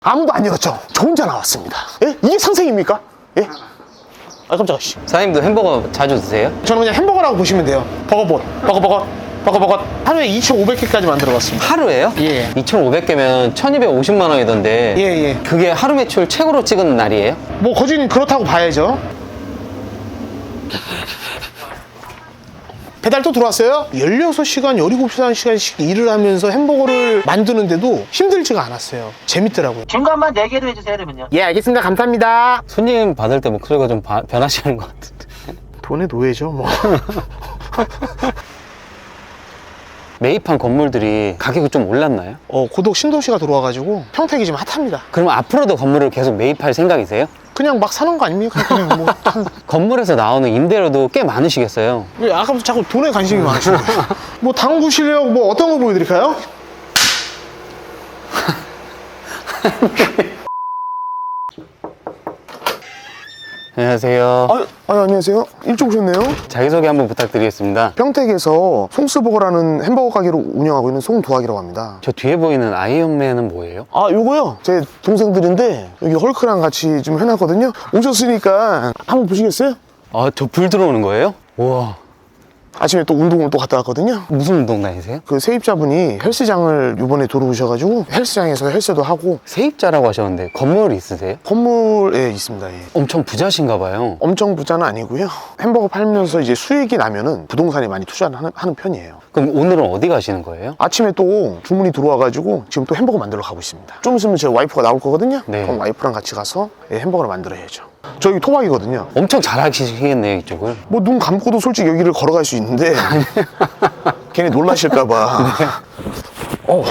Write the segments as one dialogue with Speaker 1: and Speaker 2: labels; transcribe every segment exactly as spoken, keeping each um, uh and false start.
Speaker 1: 아무도 안 열었죠? 저 혼자 나왔습니다. 예? 이게 상생입니까? 예? 아 깜짝아 씨.
Speaker 2: 사장님도 햄버거 자주 드세요?
Speaker 1: 저는 그냥 햄버거라고 보시면 돼요. 버거봇, 버거버거, 버거버거. 하루에 이천오백 개까지 만들어봤습니다.
Speaker 2: 하루에요?
Speaker 1: 예.
Speaker 2: 이천오백 개면 천이백오십만 원이던데.
Speaker 1: 예, 예.
Speaker 2: 그게 하루 매출 최고로 찍은 날이에요?
Speaker 1: 뭐 거진 그렇다고 봐야죠. 배달 또 들어왔어요? 열여섯 시간, 열일곱 시간씩 일을 하면서 햄버거를 만드는데도 힘들지가 않았어요. 재밌더라고요.
Speaker 3: 중간만 네 개로 해주세요, 그러면요.
Speaker 1: 예, 알겠습니다. 감사합니다.
Speaker 2: 손님 받을 때 목소리가 좀 바- 변하시는 것 같은데.
Speaker 1: 돈의 노예죠, 뭐.
Speaker 2: 매입한 건물들이 가격이 좀 올랐나요?
Speaker 1: 어, 고독 신도시가 들어와가지고 평택이 지금 핫합니다.
Speaker 2: 그럼 앞으로도 건물을 계속 매입할 생각이세요?
Speaker 1: 그냥 막 사는 거 아닙니까? 그냥 뭐. 한...
Speaker 2: 건물에서 나오는 임대료도 꽤 많으시겠어요?
Speaker 1: 왜 아까부터 자꾸 돈에 관심이 많으시는 거예요? 뭐 당구 실력 뭐 어떤 거 보여드릴까요?
Speaker 2: 안녕하세요.
Speaker 1: 아, 아 안녕하세요. 일찍 오셨네요.
Speaker 2: 자기소개 한번 부탁드리겠습니다.
Speaker 1: 평택에서 송스버거라는 햄버거 가게를 운영하고 있는 송도학이라고 합니다.
Speaker 2: 저 뒤에 보이는 아이언맨은 뭐예요?
Speaker 1: 아 요거요? 제 동생들인데 여기 헐크랑 같이 좀 해놨거든요. 오셨으니까 한번 보시겠어요?
Speaker 2: 아, 저 불 들어오는 거예요? 우와.
Speaker 1: 아침에 또 운동을 또 갔다 왔거든요.
Speaker 2: 무슨 운동 다니세요?
Speaker 1: 그 세입자분이 헬스장을 이번에 들어오셔가지고 헬스장에서 헬스도 하고.
Speaker 2: 세입자라고 하셨는데 건물 있으세요?
Speaker 1: 건물에 있습니다. 예.
Speaker 2: 엄청 부자신가 봐요.
Speaker 1: 엄청 부자는 아니고요. 햄버거 팔면서 이제 수익이 나면은 부동산에 많이 투자를 하는, 하는 편이에요.
Speaker 2: 그럼 오늘은 어디 가시는 거예요?
Speaker 1: 아침에 또 주문이 들어와가지고 지금 또 햄버거 만들러 가고 있습니다. 좀 있으면 제 와이프가 나올 거거든요.
Speaker 2: 네.
Speaker 1: 그럼 와이프랑 같이 가서 예, 햄버거를 만들어야죠. 저기 토박이거든요.
Speaker 2: 엄청 잘 하시겠네요, 이쪽을.
Speaker 1: 뭐 눈 감고도 솔직히 여기를 걸어갈 수 있는데 괜히 놀라실까봐. 어.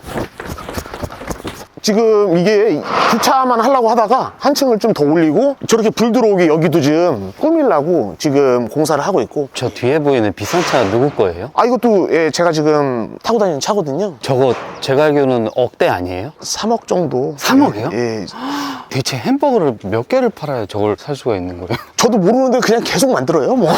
Speaker 1: 지금 이게 주차만 하려고 하다가 한층을 좀 더 올리고 저렇게 불 들어오게 여기도 좀 꾸밀라고 지금 공사를 하고 있고.
Speaker 2: 저 뒤에 보이는 비싼 차 누구 거예요?
Speaker 1: 아 이것도 예, 제가 지금 타고 다니는 차거든요.
Speaker 2: 저거 제가 알기로는 억대 아니에요?
Speaker 1: 삼억 정도.
Speaker 2: 삼억이요?
Speaker 1: 예, 예.
Speaker 2: 대체 햄버거를 몇 개를 팔아야 저걸 살 수가 있는 거예요?
Speaker 1: 저도 모르는데 그냥 계속 만들어요 뭐.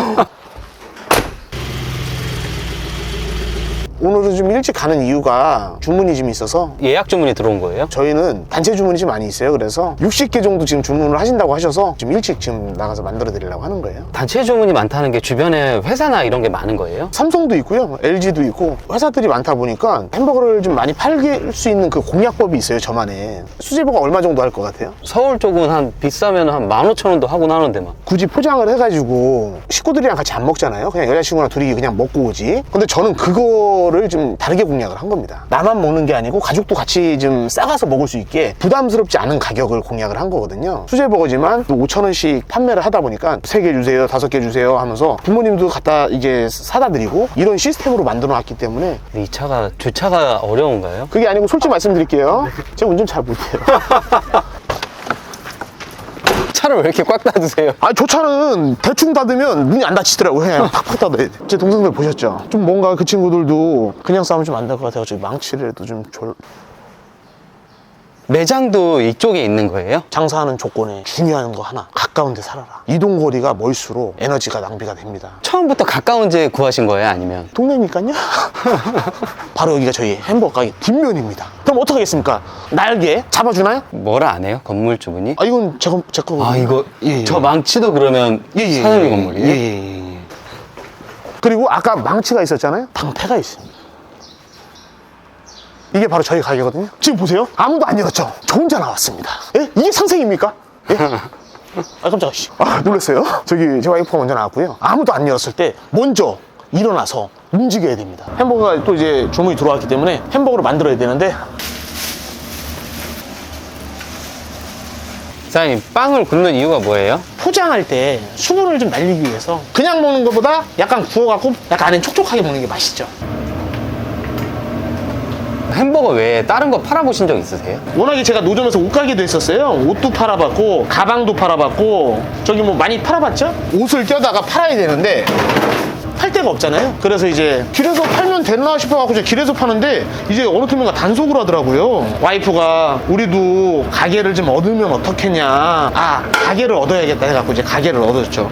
Speaker 1: 오늘은 좀 일찍 가는 이유가 주문이 좀 있어서.
Speaker 2: 예약 주문이 들어온 거예요?
Speaker 1: 저희는 단체 주문이 좀 많이 있어요. 그래서 육십 개 정도 지금 주문을 하신다고 하셔서 좀 일찍 지금 나가서 만들어 드리려고 하는 거예요.
Speaker 2: 단체 주문이 많다는 게 주변에 회사나 이런 게 많은 거예요?
Speaker 1: 삼성도 있고요, 엘지도 있고 회사들이 많다 보니까 햄버거를 좀 많이 팔 수 있는 그 공략법이 있어요. 저만의. 수제버거 얼마 정도 할 것 같아요?
Speaker 2: 서울 쪽은 한 비싸면 한 만 오천 원도 하고 나는데 막.
Speaker 1: 굳이 포장을 해가지고 식구들이랑 같이 안 먹잖아요. 그냥 여자친구랑 둘이 그냥 먹고 오지. 근데 저는 그거를 좀 다르게 공략을 한 겁니다. 나만 먹는 게 아니고 가족도 같이 좀 싸가서 먹을 수 있게 부담스럽지 않은 가격을 공략을 한 거거든요. 수제버거지만 오천 원씩 판매를 하다 보니까 세 개 주세요, 다섯 개 주세요 하면서 부모님도 갖다 이제 사다 드리고 이런 시스템으로 만들어 놨기 때문에.
Speaker 2: 근데 이 차가 주차가 어려운가요?
Speaker 1: 그게 아니고 솔직히 말씀드릴게요. 제가 운전 잘 못해요.
Speaker 2: 차를 왜 이렇게 꽉 닫으세요?
Speaker 1: 아, 저 차는 대충 닫으면 문이 안 닫히더라고요. 그냥 팍팍 닫아야 돼. 제 동생들 보셨죠? 좀 뭔가 그 친구들도 그냥 싸우면 좀 안 될 것 같아가지고 망치를 좀 졸...
Speaker 2: 매장도 이쪽에 있는 거예요?
Speaker 1: 장사하는 조건에 중요한 거 하나, 가까운 데 살아라. 이동거리가 멀수록 에너지가 낭비가 됩니다.
Speaker 2: 처음부터 가까운 데 구하신 거예요? 아니면?
Speaker 1: 동네니까요. 바로 여기가 저희 햄버거 가게 뒷면입니다. 그럼 어떻게 하겠습니까? 날개 잡아주나요?
Speaker 2: 뭐라 안 해요? 건물주분이?
Speaker 1: 아, 이건 제, 거, 제 거거든요.
Speaker 2: 아, 이거
Speaker 1: 예, 예.
Speaker 2: 저 망치도 그러면
Speaker 1: 예, 예,
Speaker 2: 사장님
Speaker 1: 예,
Speaker 2: 건물이에요?
Speaker 1: 예, 예, 예. 그리고 아까 망치가 있었잖아요. 방패가 있습니다. 이게 바로 저희 가게거든요. 지금 보세요. 아무도 안 열었죠? 저 혼자 나왔습니다. 예? 이게 상생입니까? 예? 아 깜짝아 씨. 아 놀랐어요. 저기 제 와이프가 먼저 나왔고요. 아무도 안 열었을 때 먼저 일어나서 움직여야 됩니다. 햄버거가 또 이제 주문이 들어왔기 때문에 햄버거를 만들어야 되는데.
Speaker 2: 사장님, 빵을 굽는 이유가 뭐예요?
Speaker 1: 포장할 때 수분을 좀 날리기 위해서 그냥 먹는 것보다 약간 구워갖고 약간 안에 촉촉하게 먹는 게 맛있죠.
Speaker 2: 햄버거 외에 다른 거 팔아보신 적 있으세요?
Speaker 1: 워낙에 제가 노점에서 옷가게도 했었어요. 옷도 팔아봤고 가방도 팔아봤고 저기 뭐 많이 팔아봤죠? 옷을 껴다가 팔아야 되는데 팔 데가 없잖아요. 그래서 이제 길에서 팔면 되나 싶어갖고 제가 길에서 파는데 이제 어느 틈인가 단속을 하더라고요. 와이프가 우리도 가게를 좀 얻으면 어떻겠냐. 아, 가게를 얻어야겠다 해갖고 이제 가게를 얻었죠.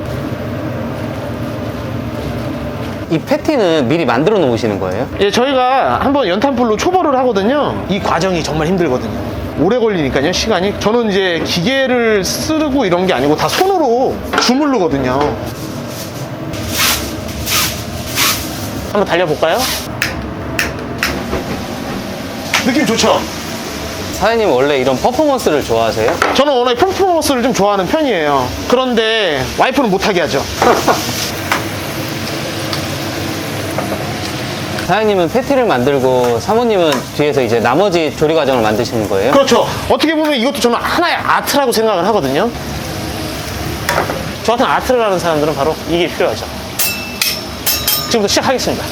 Speaker 2: 이 패티는 미리 만들어 놓으시는 거예요?
Speaker 1: 예, 저희가 한번 연탄불로 초벌을 하거든요. 이 과정이 정말 힘들거든요. 오래 걸리니까요, 시간이. 저는 이제 기계를 쓰고 이런 게 아니고 다 손으로 주물르거든요. 한번 달려볼까요? 느낌 좋죠?
Speaker 2: 사장님 원래 이런 퍼포먼스를 좋아하세요?
Speaker 1: 저는 원래 퍼포먼스를 좀 좋아하는 편이에요. 그런데 와이프는 못하게 하죠.
Speaker 2: 사장님은 패티를 만들고 사모님은 뒤에서 이제 나머지 조리 과정을 만드시는 거예요?
Speaker 1: 그렇죠. 어떻게 보면 이것도 저는 하나의 아트라고 생각을 하거든요. 저 같은 아트를 하는 사람들은 바로 이게 필요하죠. 지금부터 시작하겠습니다.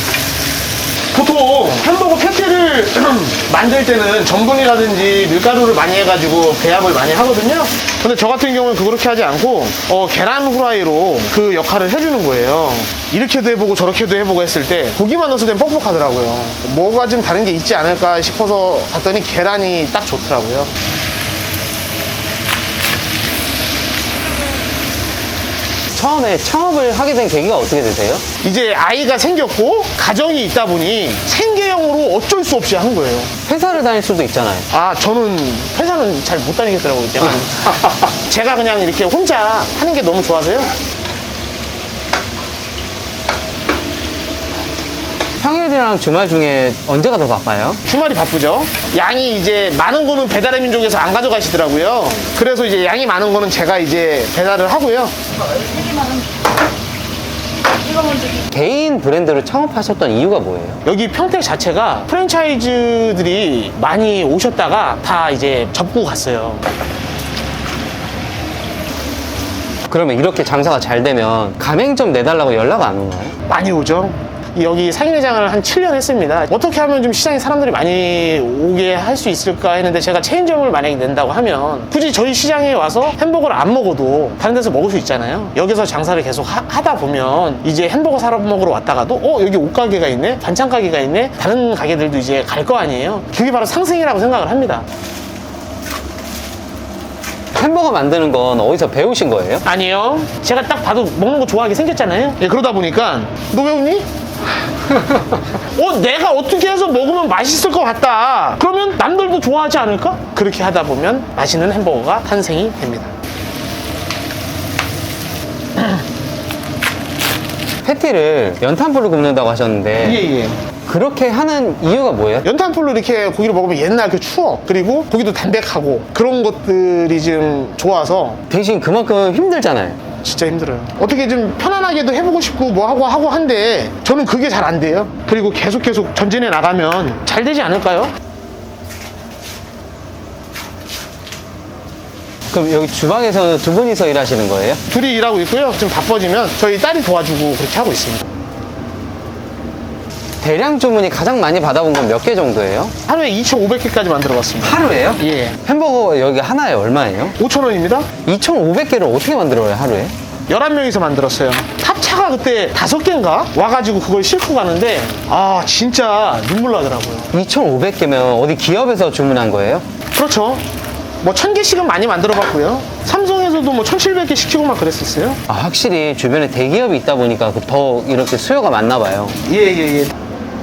Speaker 1: 보통 햄버거 패티를 만들 때는 전분이라든지 밀가루를 많이 해가지고 배합을 많이 하거든요. 근데 저 같은 경우는 그렇게 하지 않고 어, 계란 후라이로 그 역할을 해주는 거예요. 이렇게도 해보고 저렇게도 해보고 했을 때 고기만 넣었을 땐 뻑뻑하더라고요. 뭐가 좀 다른 게 있지 않을까 싶어서 봤더니 계란이 딱 좋더라고요.
Speaker 2: 처음에 창업을 하게 된 계기가 어떻게 되세요?
Speaker 1: 이제 아이가 생겼고 가정이 있다 보니 생계형으로 어쩔 수 없이 한 거예요.
Speaker 2: 회사를 다닐 수도 있잖아요.
Speaker 1: 아, 저는 회사는 잘 못 다니겠더라고요. 제가. 제가 그냥 이렇게 혼자 하는 게 너무 좋아서요.
Speaker 2: 평일이랑 주말 중에 언제가 더 바빠요?
Speaker 1: 주말이 바쁘죠. 양이 이제 많은 거는 배달의 민족에서 안 가져가시더라고요. 그래서 이제 양이 많은 거는 제가 이제 배달을 하고요.
Speaker 2: 개인 브랜드를 창업하셨던 이유가 뭐예요?
Speaker 1: 여기 평택 자체가 프랜차이즈들이 많이 오셨다가 다 이제 접고 갔어요.
Speaker 2: 그러면 이렇게 장사가 잘 되면 가맹점 내달라고 연락 안 오나요?
Speaker 1: 많이 오죠. 여기 상인회장을 한 칠 년 했습니다. 어떻게 하면 좀 시장에 사람들이 많이 오게 할 수 있을까 했는데 제가 체인점을 만약에 낸다고 하면 굳이 저희 시장에 와서 햄버거를 안 먹어도 다른 데서 먹을 수 있잖아요. 여기서 장사를 계속 하, 하다 보면 이제 햄버거 사러 먹으러 왔다가도 어 여기 옷가게가 있네, 반찬 가게가 있네, 다른 가게들도 이제 갈 거 아니에요. 그게 바로 상승이라고 생각을 합니다.
Speaker 2: 햄버거 만드는 건 어디서 배우신 거예요?
Speaker 1: 아니요. 제가 딱 봐도 먹는 거 좋아하게 생겼잖아요. 예, 그러다 보니까 너 왜 웃니? 어, 내가 어떻게 해서 먹으면 맛있을 것 같다. 그러면 남들도 좋아하지 않을까? 그렇게 하다 보면 맛있는 햄버거가 탄생이 됩니다.
Speaker 2: 패티를 연탄불로 굽는다고 하셨는데
Speaker 1: 예예.
Speaker 2: 그렇게 하는 이유가 뭐예요?
Speaker 1: 연탄불로 이렇게 고기를 먹으면 옛날 그 추억, 그리고 고기도 담백하고 그런 것들이 좀 좋아서
Speaker 2: 대신 그만큼 힘들잖아요.
Speaker 1: 진짜 힘들어요. 어떻게 좀 편안하게도 해보고 싶고 뭐 하고 하고 한데 저는 그게 잘 안 돼요. 그리고 계속 계속 전진해 나가면 잘 되지 않을까요?
Speaker 2: 그럼 여기 주방에서는 두 분이서 일하시는 거예요?
Speaker 1: 둘이 일하고 있고요. 좀 바빠지면 저희 딸이 도와주고 그렇게 하고 있습니다.
Speaker 2: 대량 주문이 가장 많이 받아본 건 몇 개 정도예요?
Speaker 1: 하루에 이천오백 개까지 만들어 봤습니다.
Speaker 2: 하루에요?
Speaker 1: 예.
Speaker 2: 햄버거 여기 하나에 얼마예요?
Speaker 1: 오천 원입니다.
Speaker 2: 이천오백 개를 어떻게 만들어요, 하루에?
Speaker 1: 열한 명이서 만들었어요. 탑차가 그때 다섯 개인가 와가지고 그걸 싣고 가는데 아 진짜 눈물 나더라고요.
Speaker 2: 이천오백 개면 어디 기업에서 주문한 거예요?
Speaker 1: 그렇죠. 뭐 천 개씩은 많이 만들어 봤고요. 삼성에서도 뭐 천칠백 개 시키고 막 그랬었어요.
Speaker 2: 아, 확실히 주변에 대기업이 있다 보니까 더 이렇게 수요가 많나 봐요.
Speaker 1: 예예예. 예, 예.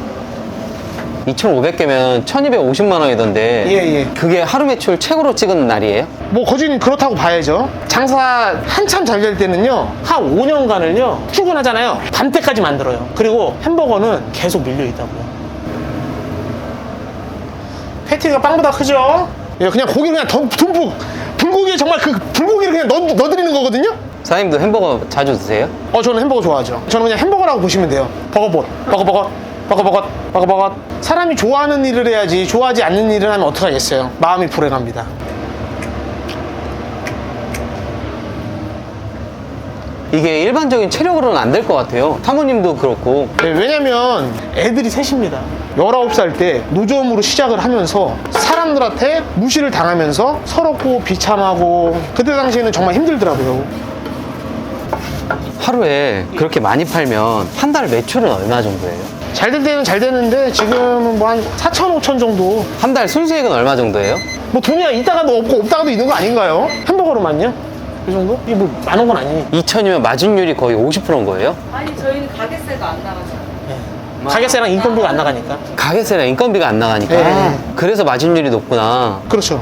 Speaker 2: 이천오백 개면 천이백오십만 원이던데
Speaker 1: 예, 예.
Speaker 2: 그게 하루 매출 최고로 찍은 날이에요?
Speaker 1: 뭐 거진 그렇다고 봐야죠. 장사 한참 잘 될 때는요 한 오 년간을요 출근하잖아요. 밤때까지 만들어요. 그리고 햄버거는 계속 밀려 있다고요. 패티가 빵보다 크죠? 예, 그냥 고기 그냥 덤- 듬뿍 불고기에 정말 그 불고기를 그냥 넣, 넣어드리는 거거든요.
Speaker 2: 사장님도 햄버거 자주 드세요?
Speaker 1: 어 저는 햄버거 좋아하죠. 저는 그냥 햄버거라고 보시면 돼요. 버거봇 버거버거 버거버거 버거버거. 사람이 좋아하는 일을 해야지 좋아하지 않는 일을 하면 어떡하겠어요. 마음이 불행합니다.
Speaker 2: 이게 일반적인 체력으로는 안 될 것 같아요. 사모님도 그렇고.
Speaker 1: 네, 왜냐면 애들이 셋입니다. 열아홉 살 때 노점으로 시작을 하면서 사람들한테 무시를 당하면서 서럽고 비참하고 그때 당시에는 정말 힘들더라고요.
Speaker 2: 하루에 그렇게 많이 팔면 한 달 매출은 얼마 정도예요?
Speaker 1: 잘 될 때는 잘 되는데 지금은 뭐 한 사천, 오천 정도.
Speaker 2: 한 달 순수익은 얼마 정도예요?
Speaker 1: 뭐 돈이 있다가도 없고 없다가도 있는 거 아닌가요? 햄버거로만요? 그 정도? 이게 뭐 많은 건 아니니.
Speaker 2: 이천이면 마진율이 거의 오십 퍼센트인 거예요?
Speaker 3: 아니 저희는 가게세가 안 나가죠.
Speaker 1: 네. 가게세랑 인건비가 안 나가니까.
Speaker 2: 가게세랑 인건비가 안 나가니까.
Speaker 1: 네.
Speaker 2: 그래서 마진율이 높구나.
Speaker 1: 그렇죠.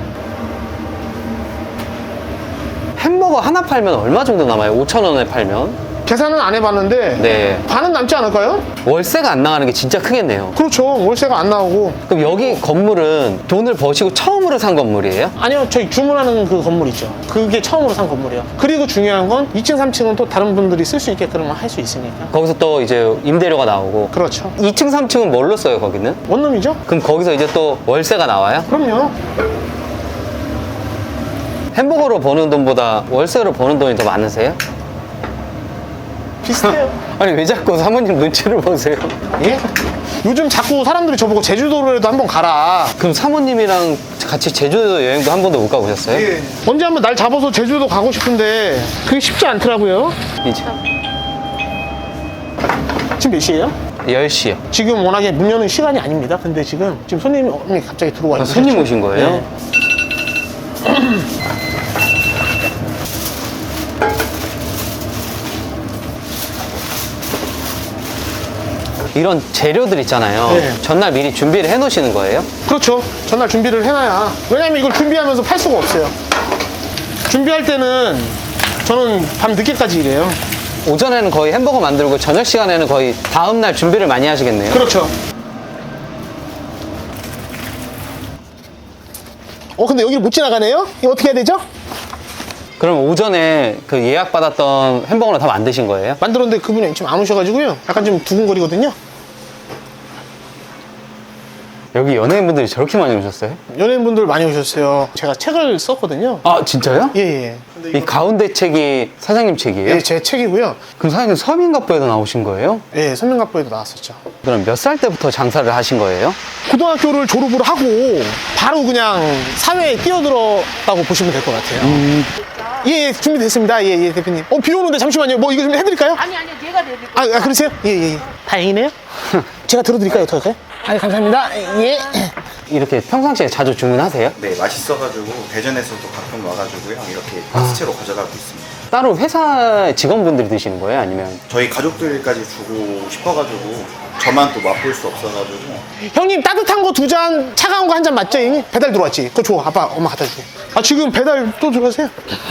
Speaker 2: 햄버거 하나 팔면 얼마 정도 남아요? 오천 원에 팔면?
Speaker 1: 계산은 안 해봤는데
Speaker 2: 네.
Speaker 1: 반은 남지 않을까요?
Speaker 2: 월세가 안 나가는 게 진짜 크겠네요.
Speaker 1: 그렇죠. 월세가 안 나오고.
Speaker 2: 그럼 여기 건물은 돈을 버시고 처음으로 산 건물이에요?
Speaker 1: 아니요, 저희 주문하는 그 건물 있죠. 그게 처음으로 산 건물이에요. 그리고 중요한 건 이 층, 삼 층은 또 다른 분들이 쓸 수 있게끔 할 수 있으니까.
Speaker 2: 거기서 또 이제 임대료가 나오고.
Speaker 1: 그렇죠.
Speaker 2: 이 층, 삼 층은 뭘로 써요, 거기는?
Speaker 1: 원룸이죠?
Speaker 2: 그럼 거기서 이제 또 월세가 나와요?
Speaker 1: 그럼요.
Speaker 2: 햄버거로 버는 돈보다 월세로 버는 돈이 더 많으세요?
Speaker 1: 비슷해요.
Speaker 2: 아니 왜 자꾸 사모님 눈치를 보세요?
Speaker 1: 예? 요즘 자꾸 사람들이 저보고 제주도로라도 한번 가라.
Speaker 2: 그럼 사모님이랑 같이 제주도 여행도 한 번도 못 가보셨어요?
Speaker 1: 예. 언제 한번 날 잡아서 제주도 가고 싶은데 그게 쉽지 않더라고요.
Speaker 2: 이제
Speaker 1: 지금 몇 시예요?
Speaker 2: 열 시요.
Speaker 1: 지금 워낙에 문 여는 시간이 아닙니다. 근데 지금 지금 손님이 갑자기 들어와
Speaker 2: 아,
Speaker 1: 있어요.
Speaker 2: 손님 오신 거예요?
Speaker 1: 네.
Speaker 2: 이런 재료들 있잖아요.
Speaker 1: 네.
Speaker 2: 전날 미리 준비를 해 놓으시는 거예요?
Speaker 1: 그렇죠. 전날 준비를 해놔야. 왜냐면 이걸 준비하면서 팔 수가 없어요. 준비할 때는 저는 밤 늦게까지 일해요.
Speaker 2: 오전에는 거의 햄버거 만들고 저녁 시간에는 거의 다음날 준비를 많이 하시겠네요.
Speaker 1: 그렇죠. 어 근데 여기를 못 지나가네요? 이거 어떻게 해야 되죠?
Speaker 2: 그럼 오전에 그 예약 받았던 햄버거는 다 만드신 거예요?
Speaker 1: 만들었는데 그분이 지금 안 오셔가지고요. 약간 좀 두근거리거든요.
Speaker 2: 여기 연예인분들이 저렇게 많이 오셨어요?
Speaker 1: 연예인분들 많이 오셨어요. 제가 책을 썼거든요.
Speaker 2: 아 진짜요?
Speaker 1: 예, 예.
Speaker 2: 이 가운데 책이 사장님 책이에요?
Speaker 1: 예, 제 책이고요.
Speaker 2: 그럼 사장님 서민갑부에도 나오신 거예요?
Speaker 1: 예, 선명갑부에도 나왔었죠.
Speaker 2: 그럼 몇 살 때부터 장사를 하신 거예요?
Speaker 1: 고등학교를 졸업을 하고 바로 그냥 사회에 뛰어들었다고 보시면 될 것 같아요.
Speaker 2: 음.
Speaker 1: 예, 예, 준비됐습니다. 예, 예, 대표님. 어, 비 오는데 잠시만요. 뭐 이거 좀 해드릴까요?
Speaker 3: 아니 아니 내가 내릴
Speaker 1: 아, 아 그러세요? 예, 예, 예. 다행이네요. 제가 들어드릴까요? 어떡할까요? 아, 감사합니다. 예.
Speaker 2: 이렇게 평상시에 자주 주문하세요?
Speaker 4: 네, 맛있어가지고 대전에서도 가끔 와가지고요. 이렇게 박스채로 가져가고 있습니다.
Speaker 2: 따로 회사 직원분들이 드시는 거예요? 아니면?
Speaker 4: 저희 가족들까지 주고 싶어가지고 저만 또 맛볼 수 없어가지고
Speaker 1: 형님, 따뜻한 거 두 잔, 차가운 거 한 잔 맞죠? 형님? 배달 들어왔지? 그거 줘. 아빠, 엄마 갖다 줄게. 아, 지금 배달 또 들어가세요?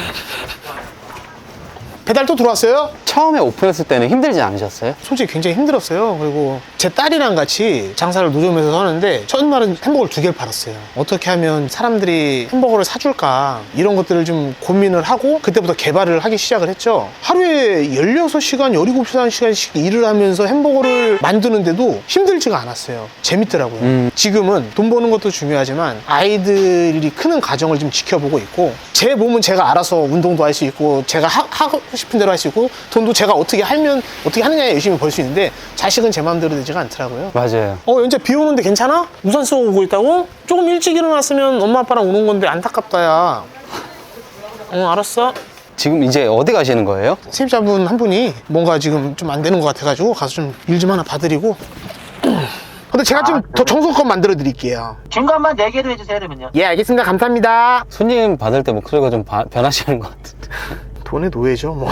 Speaker 1: 배달 또 들어왔어요?
Speaker 2: 처음에 오픈했을 때는 힘들지 않으셨어요?
Speaker 1: 솔직히 굉장히 힘들었어요. 그리고 제 딸이랑 같이 장사를 노점에서 하는데 첫날은 햄버거를 두 개를 팔았어요. 어떻게 하면 사람들이 햄버거를 사줄까 이런 것들을 좀 고민을 하고 그때부터 개발을 하기 시작을 했죠. 하루에 열여섯 시간, 열일곱 시간씩 일을 하면서 햄버거를 만드는데도 힘들지가 않았어요. 재밌더라고요.
Speaker 2: 음.
Speaker 1: 지금은 돈 버는 것도 중요하지만 아이들이 크는 과정을 좀 지켜보고 있고 제 몸은 제가 알아서 운동도 할 수 있고 제가 하, 하고 싶은 대로 할 수 있고 돈도 제가 어떻게 하면 어떻게 하느냐에 열심히 벌 수 있는데 자식은 제 마음대로 되지가 않더라고요.
Speaker 2: 맞아요.
Speaker 1: 어, 연재 비 오는데 괜찮아? 우산 쓰고 오고 있다고? 조금 일찍 일어났으면 엄마 아빠랑 오는 건데 안타깝다 야. 어, 알았어.
Speaker 2: 지금 이제 어디 가시는 거예요?
Speaker 1: 세입자분 한 분이 뭔가 지금 좀 안 되는 것 같아가지고 가서 좀 일 좀 하나 봐드리고. 근데 제가 좀 더 정성껏 만들어 드릴게요.
Speaker 3: 중간만 네 개로 해주세요 그러면요.
Speaker 1: 예, 알겠습니다. 감사합니다.
Speaker 2: 손님 받을 때 목소리가 좀 바- 변하시는 것 같은데.
Speaker 1: 돈의 노예죠, 뭐.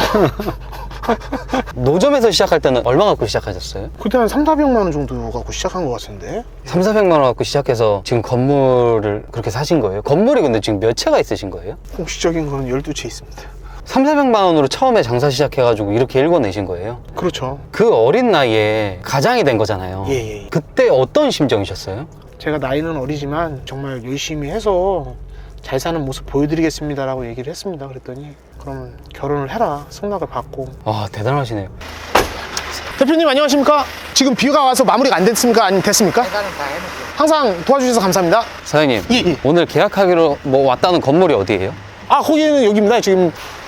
Speaker 2: 노점에서 시작할 때는 얼마 갖고 시작하셨어요?
Speaker 1: 그때 한 삼사백만 원 정도 갖고 시작한 것 같은데.
Speaker 2: 삼사백만 원 갖고 시작해서 지금 건물을 그렇게 사신 거예요? 건물이 근데 지금 몇 채가 있으신 거예요?
Speaker 1: 공식적인 거는 열두 채 있습니다.
Speaker 2: 삼사백만 원으로 처음에 장사 시작해가지고 이렇게 일궈내신 거예요?
Speaker 1: 그렇죠.
Speaker 2: 그 어린 나이에 가장이 된 거잖아요.
Speaker 1: 예, 예.
Speaker 2: 그때 어떤 심정이셨어요?
Speaker 1: 제가 나이는 어리지만 정말 열심히 해서 잘 사는 모습 보여드리겠습니다라고 얘기를 했습니다. 그랬더니 그러면 결혼을 해라. 승낙을 받고.
Speaker 2: 와 대단하시네요.
Speaker 1: 대표님 안녕하십니까? 지금 비가 와서 마무리가 안 됐습니까? 아니면 됐습니까?
Speaker 3: 계산은 다 해놓을게요.
Speaker 1: 항상 도와주셔서 감사합니다.
Speaker 2: 사장님
Speaker 1: 예, 예.
Speaker 2: 오늘 계약하기로 뭐 왔다는 건물이 어디예요?
Speaker 1: 아, 거기는 여기입니다. 지금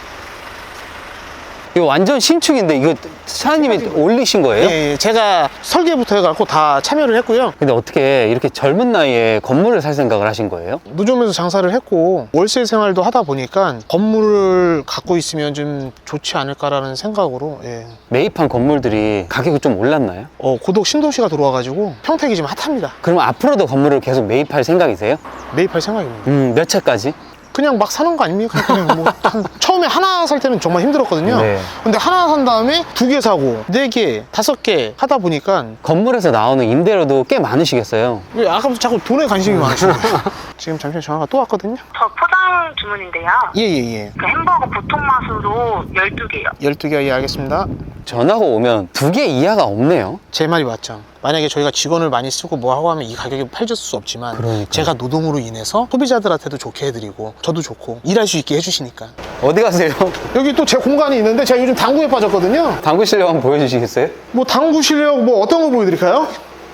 Speaker 2: 이거 완전 신축인데 이거 사장님이 올리신 거예요?
Speaker 1: 예, 예, 제가 설계부터 해갖고 다 참여를 했고요.
Speaker 2: 근데 어떻게 이렇게 젊은 나이에 건물을 살 생각을 하신 거예요?
Speaker 1: 노점에서 장사를 했고 월세 생활도 하다 보니까 건물을 갖고 있으면 좀 좋지 않을까라는 생각으로 예.
Speaker 2: 매입한 건물들이 가격이 좀 올랐나요?
Speaker 1: 어, 고독 신도시가 들어와가지고 평택이 지금 핫합니다.
Speaker 2: 그럼 앞으로도 건물을 계속 매입할 생각이세요?
Speaker 1: 매입할 생각입니다.
Speaker 2: 음, 몇 채까지?
Speaker 1: 그냥 막 사는 거 아닙니까? 그냥 뭐 한- 처음에 하나 살 때는 정말 힘들었거든요.
Speaker 2: 네.
Speaker 1: 근데 하나 산 다음에 두 개 사고 네 개, 다섯 개 하다 보니까
Speaker 2: 건물에서 나오는 임대료도 꽤 많으시겠어요.
Speaker 1: 왜 아까부터 자꾸 돈에 관심이 많으시는 거예요? 지금 잠시만 전화가 또 왔거든요.
Speaker 5: 저 포장 주문인데요.
Speaker 1: 예예예.
Speaker 5: 그 햄버거 보통 맛으로 열두 개요.
Speaker 1: 열두 개, 예, 알겠습니다.
Speaker 2: 전화가 오면 두 개 이하가 없네요.
Speaker 1: 제 말이 맞죠. 만약에 저희가 직원을 많이 쓰고 뭐 하고 하면 이 가격이 팔줄 수 없지만
Speaker 2: 그러니까요.
Speaker 1: 제가 노동으로 인해서 소비자들한테도 좋게 해드리고 저도 좋고 일할 수 있게 해주시니까.
Speaker 2: 어디 가세요?
Speaker 1: 여기 또 제 공간이 있는데 제가 요즘 당구에 빠졌거든요.
Speaker 2: 당구 실력 한번 보여주시겠어요?
Speaker 1: 뭐 당구 실력 뭐 어떤 거 보여드릴까요?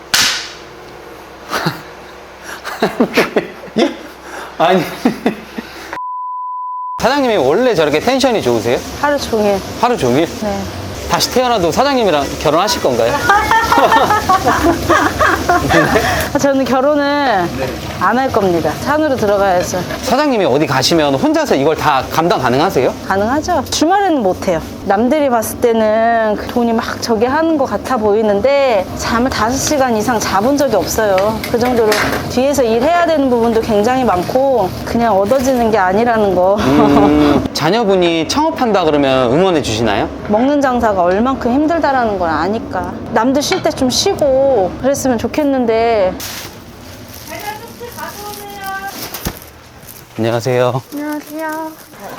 Speaker 1: 예?
Speaker 2: 아니. 사장님이 원래 저렇게 텐션이 좋으세요?
Speaker 6: 하루 종일.
Speaker 2: 하루 종일?
Speaker 6: 네.
Speaker 2: 다시 태어나도 사장님이랑 결혼하실 건가요?
Speaker 6: 저는 결혼을 안 할 겁니다. 산으로 들어가야죠.
Speaker 2: 사장님이 어디 가시면 혼자서 이걸 다 감당 가능하세요?
Speaker 6: 가능하죠? 주말에는 못해요. 남들이 봤을 때는 그 돈이 막 저기 하는 것 같아 보이는데 잠을 다섯 시간 이상 자본 적이 없어요. 그 정도로 뒤에서 일해야 되는 부분도 굉장히 많고 그냥 얻어지는 게 아니라는 거.
Speaker 2: 음, 자녀분이 창업한다 그러면 응원해 주시나요?
Speaker 6: 먹는 장사가 얼만큼 힘들다라는 걸 아니까. 남들 쉴 때 좀 쉬고 그랬으면 좋겠는데.
Speaker 2: 안녕하세요.
Speaker 7: 안녕하세요.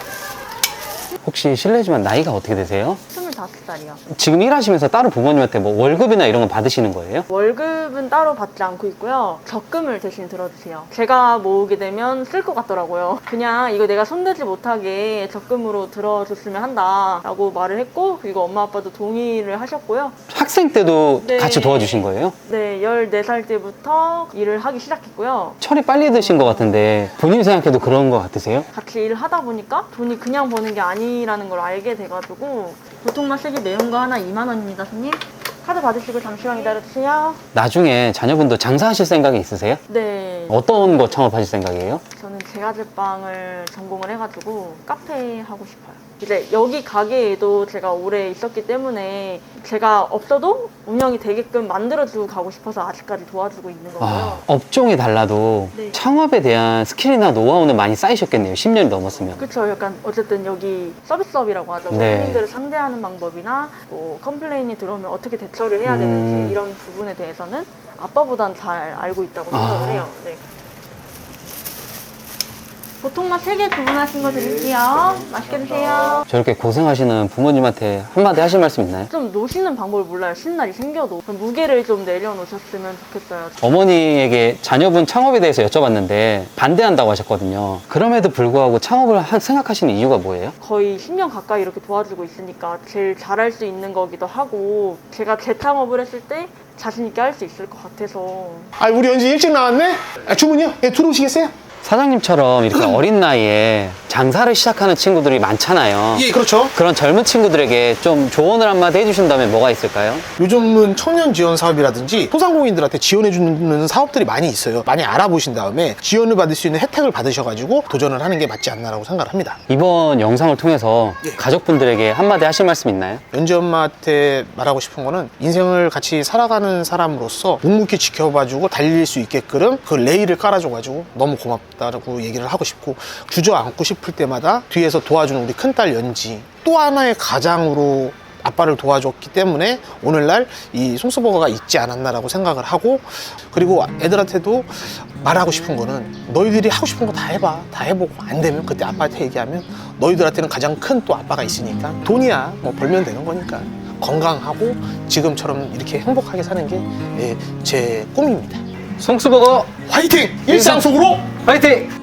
Speaker 2: 혹시 실례지만 나이가 어떻게 되세요?
Speaker 7: 스물다섯 살이요.
Speaker 2: 지금 일하시면서 따로 부모님한테 뭐 월급이나 이런 거 받으시는 거예요?
Speaker 7: 월급은 따로 받지 않고 있고요. 적금을 대신 들어주세요. 제가 모으게 되면 쓸 것 같더라고요. 그냥 이거 내가 손대지 못하게 적금으로 들어줬으면 한다라고 말을 했고, 그리고 엄마 아빠도 동의를 하셨고요.
Speaker 2: 학생 때도
Speaker 7: 네.
Speaker 2: 같이 도와주신 거예요?
Speaker 7: 네, 열네 살 때부터 일을 하기 시작했고요.
Speaker 2: 철이 빨리 드신 것 같은데 본인이 생각해도 그런 것 같으세요?
Speaker 7: 같이 일을 하다 보니까 돈이 그냥 버는 게 아니라는 걸 알게 돼가지고, 보통 맛있게 매운 거 하나 이만 원입니다, 손님. 카드 받으시고 잠시만 기다려주세요.
Speaker 2: 나중에 자녀분도 장사하실 생각이 있으세요?
Speaker 7: 네.
Speaker 2: 어떤 거 창업하실 생각이에요?
Speaker 7: 저는 제과제빵을 전공을 해가지고 카페 하고 싶어요. 이제 여기 가게에도 제가 오래 있었기 때문에 제가 없어도 운영이 되게끔 만들어주고 가고 싶어서 아직까지 도와주고 있는 거고요.
Speaker 2: 아, 업종이 달라도
Speaker 7: 네.
Speaker 2: 창업에 대한 스킬이나 노하우는 많이 쌓이셨겠네요. 십 년이 넘었으면.
Speaker 7: 그쵸. 약간 어쨌든 여기 서비스업이라고 하죠.
Speaker 2: 네.
Speaker 7: 손님들을 상대하는 방법이나 뭐 컴플레인이 들어오면 어떻게 대처를 해야
Speaker 2: 음.
Speaker 7: 되는지 이런 부분에 대해서는 아빠보단 잘 알고 있다고 생각을
Speaker 2: 아.
Speaker 7: 해요. 네. 보통 맛 세 개 주문하신 거 드릴게요. 맛있게 드세요.
Speaker 2: 저렇게 고생하시는 부모님한테 한마디 하실 말씀 있나요?
Speaker 7: 좀 노시는 방법을 몰라요. 신날이 생겨도. 그럼 무게를 좀 내려놓으셨으면 좋겠어요.
Speaker 2: 어머니에게 자녀분 창업에 대해서 여쭤봤는데 반대한다고 하셨거든요. 그럼에도 불구하고 창업을 하- 생각하시는 이유가 뭐예요?
Speaker 7: 거의 십 년 가까이 이렇게 도와주고 있으니까 제일 잘할 수 있는 거기도 하고, 제가 재창업을 했을 때 자신 있게 할 수 있을 것 같아서.
Speaker 1: 아, 우리 연지 일찍 나왔네? 아, 주문이요? 예, 들어오시겠어요?
Speaker 2: 사장님처럼 이렇게 어린 나이에 장사를 시작하는 친구들이 많잖아요.
Speaker 1: 예, 그렇죠.
Speaker 2: 그런 젊은 친구들에게 좀 조언을 한마디 해주신다면 뭐가 있을까요?
Speaker 1: 요즘은 청년 지원 사업이라든지 소상공인들한테 지원해주는 사업들이 많이 있어요. 많이 알아보신 다음에 지원을 받을 수 있는 혜택을 받으셔가지고 도전을 하는 게 맞지 않나라고 생각을 합니다.
Speaker 2: 이번 영상을 통해서 가족분들에게 한마디 하실 말씀 있나요?
Speaker 1: 연지 엄마한테 말하고 싶은 거는 인생을 같이 살아가는 사람으로서 묵묵히 지켜봐주고 달릴 수 있게끔 그 레일을 깔아줘가지고 너무 고맙다고 얘기를 하고 싶고, 주저앉고 싶을 때마다 뒤에서 도와주는 우리 큰딸 연지, 또 하나의 가장으로 아빠를 도와줬기 때문에 오늘날 이 송스버거가 있지 않았나라고 생각을 하고, 그리고 애들한테도 말하고 싶은 거는 너희들이 하고 싶은 거 다 해봐. 다 해보고 안 되면 그때 아빠한테 얘기하면 너희들한테는 가장 큰 또 아빠가 있으니까 돈이야 뭐 벌면 되는 거니까 건강하고 지금처럼 이렇게 행복하게 사는 게 제 꿈입니다.
Speaker 2: 송스버거
Speaker 1: 화이팅! 일상 속으로
Speaker 2: 화이팅!